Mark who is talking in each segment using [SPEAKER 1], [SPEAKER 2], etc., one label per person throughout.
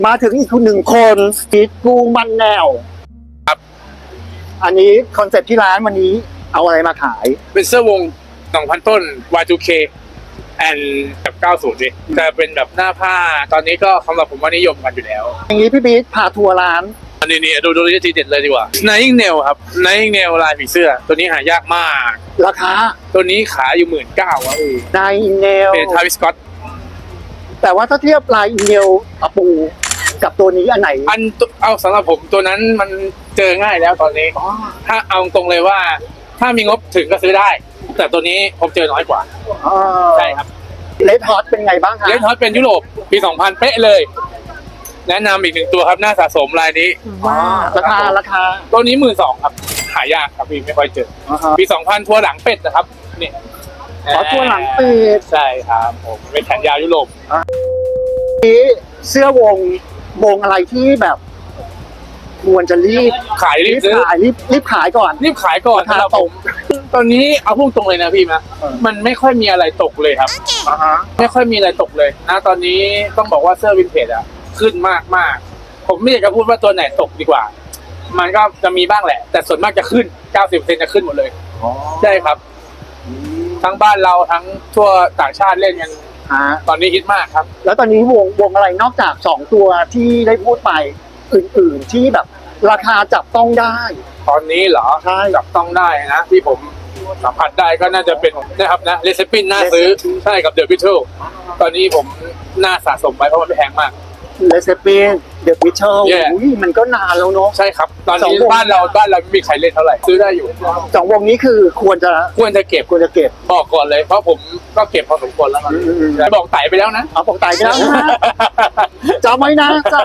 [SPEAKER 1] มาถึงอีกหนึ่งคนพีทกูมันแนว
[SPEAKER 2] ครับ
[SPEAKER 1] อันนี้คอนเซ็ปต์ที่ร้านวันนี้เอาอะไรมาขาย
[SPEAKER 2] เป็นเสื้อวง 2,000 ต้น Y2K กับ90ดิจะเป็นแบบหน้าผ้าตอนนี้ก็สำหรับผมว่านิยมกันอยู่แล้ว
[SPEAKER 1] อย่างนี้พี่พีทพาทัวร์ร้าน
[SPEAKER 2] อันนี้ดูทีเด็ดเลยดีกว่า Nine Nail ครับ Nine Nail ลายผีเสื้อตัวนี้หายากมาก
[SPEAKER 1] ราคา
[SPEAKER 2] ตัวนี้ขายอยู่ 19,000ครับ
[SPEAKER 1] ลายอินเนล
[SPEAKER 2] เป็นทาวิสก็อต
[SPEAKER 1] แต่ว่าถ้าเทียบลายอินเนลอะปูกับตัวนี้อันไหน
[SPEAKER 2] เอาสำหรับผมตัวนั้นมันเจอง่ายแล้วตอนนี้ถ้าเอาตรงเลยว่าถ้ามีงบถึงก็ซื้อได้แต่ตัวนี้ผมเจอน้อยกว่าใช่ครับ
[SPEAKER 1] เลดฮอตเป็นไงบ้างคะ
[SPEAKER 2] เลดฮอตเป็นยุโรปปี 2000 เป๊ะเลยแนะนำอีกหนึ่งตัวครับหน้าสะสมลายนี้
[SPEAKER 1] ราคา
[SPEAKER 2] ตัวนี้ 12,000 ครับหายากครับพี่ไม่ค่อยเจอปี 2000 ทัวร์หลังเป็ดนะครับนี่
[SPEAKER 1] ทัวร์หลังเป็ด
[SPEAKER 2] ใช่ครับผมเป็นแขนยาวยุโรป
[SPEAKER 1] นี้เสื้อวงอะไรที่แบบควรจะรีบ
[SPEAKER 2] ขายรี
[SPEAKER 1] บขายก่อน
[SPEAKER 2] ครับผมตอนนี้เอาพุ่งตรงเลยนะพี่นะมันไม่ค่อยมีอะไรตกเลยครับไม่ค่อยมีอะไรตกเลยนะตอนนี้ต้องบอกว่าเสื้อวินเทจอะขึ้นมากผมไม่อยากจะพูดว่าตัวไหนตกดีกว่ามันก็จะมีบ้างแหละแต่ส่วนมากจะขึ้น 90% จะขึ้นหมดเลยใช่ครับทั้งบ้านเราทั้งทั่วต่างชาติเล่นกันตอนนี้ฮิตมากครับ
[SPEAKER 1] แล้วตอนนี้วงอะไรนอกจาก2ตัวที่ได้พูดไปอื่นๆที่แบบราคาจับต้องได้
[SPEAKER 2] ตอนนี้เหรอใช่จับต้องได้นะที่ผมสัมผัสได้ก็น่าจะเป็นนะครับนะเลสปินน่าซื้อใช่กับเดอะบิทเทิลตอนนี้ผมน่าสะสมไว้เพราะมันไม่แพงมาก
[SPEAKER 1] เลสปินเดอะบิทเทิลมันก็นานแล้วเนาะ
[SPEAKER 2] ใช่ครับตอนนี้บ้านเราไม่มีใครเล่นเท่าไหร่ซื้อได้อยู่
[SPEAKER 1] 2 วงนี้คือควรจะเก็บ
[SPEAKER 2] บอกก่อนเลยเพราะผมก็เก็บพอสมควรแล้วนะแต่บอกไต่ไปแล้วนะ
[SPEAKER 1] บอกไต่ไปแล้วนะจำไว้นะ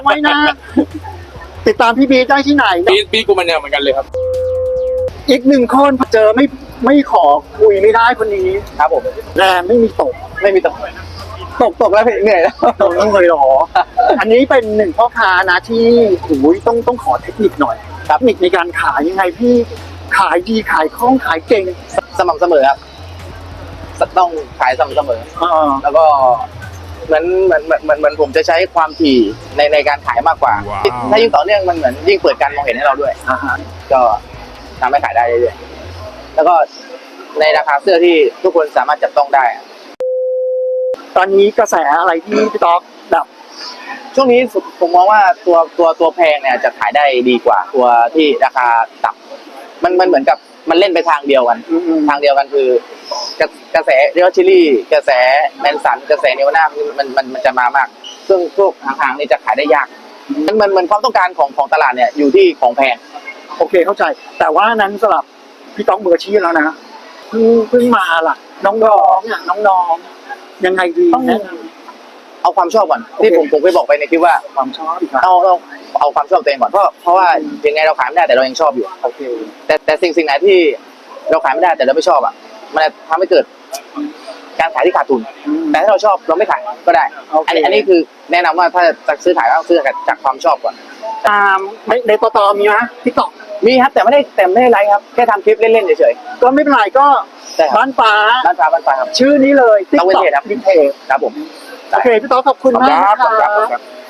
[SPEAKER 1] ติดตามพี่บีได้ที่ไหน
[SPEAKER 2] บีกูมันแนวเหมือนกันเลยครับ
[SPEAKER 1] อีก1 คนเจอไม่ขอคุยไม่ได้คนนี้
[SPEAKER 2] ครับผม
[SPEAKER 1] แรงไม่มีตกแล้วเหนื่อยแล้วต้องเลยหรออันนี้เป็น1พ่อค้านะที่ต้องขอเทคนิคหน่อยครับเทคนิคในการขายยังไงพี่ขายดีขายคล่องขายเก่ง
[SPEAKER 3] สม่ำเสมอครับต้องขายสม่ำเสมอแล้วก็เหมือนผมจะใช้ความถี่ในการขายมากกว่าถ้ายิ่งต่อเนื่องมันเหมือนยิ่งเปิดการมองเห็นให้เราด้วยก็ทำให้ขายได้เรื่อยๆแล้วก็ในราคาเสื้อที่ทุกคนสามารถจับต้องได้
[SPEAKER 1] ตอนนี้กระแสอะไรที่พี่ต๊อกแบบ
[SPEAKER 3] ช่วงนี้ผมมองว่าตัวแพงเนี่ยจะขายได้ดีกว่าตัวที่ราคาต่ำมันเหมือนกับมันเล่นไปทางเดียวกันคือกระแสเรียลชิลี่กระแสแมนสันกระแสเนวาน่ามันจะมามากซึ่งพวกห่างๆนี่จะขายได้ยากมันความต้องการของตลาดเนี่ยอยู่ที่ของแพง
[SPEAKER 1] โอเคเข้าใจแต่ว่านั้นสำหรับพี่ต๊อกมืออาชีพแล้วนะเพิ่งมาล่ะน้องยังไงดี
[SPEAKER 3] ต้องเอาความชอบก่อนที่ผมเคยบอกไปในคลิปว่า
[SPEAKER 1] ความชอบ
[SPEAKER 3] เอาความชอบตัวเองก่อนเพราะว่ายังไงเราขายไม่ได้แต่เรายังชอบอยู่
[SPEAKER 1] โอเค
[SPEAKER 3] แต่สิ่งไหนที่เราขายไม่ได้แต่เราไม่ชอบอ่ะมันจะทำให้เกิดการขายที่ขาดทุนแต่ถ้าเราชอบเราไม่ขายก็ได้อันนี้คือแนะนำว่าถ้าจะซื้อขายต้องซื้อจากความชอบก่อน
[SPEAKER 1] ตามในต่อมีไหมพี่ต๊อก
[SPEAKER 3] มีครับแต่ไม่ได้ไลฟ์ครับแค่ทำคลิปเล่นๆเฉย
[SPEAKER 1] ๆก็ไม่เป็นไรก็บ้านฟ้า
[SPEAKER 3] ครับ
[SPEAKER 1] ชื่อนี้เลย
[SPEAKER 3] TikTok
[SPEAKER 1] วินเทจ
[SPEAKER 3] ครับผม
[SPEAKER 1] โอเคพี่ต๊อกขอบคุณมากครับ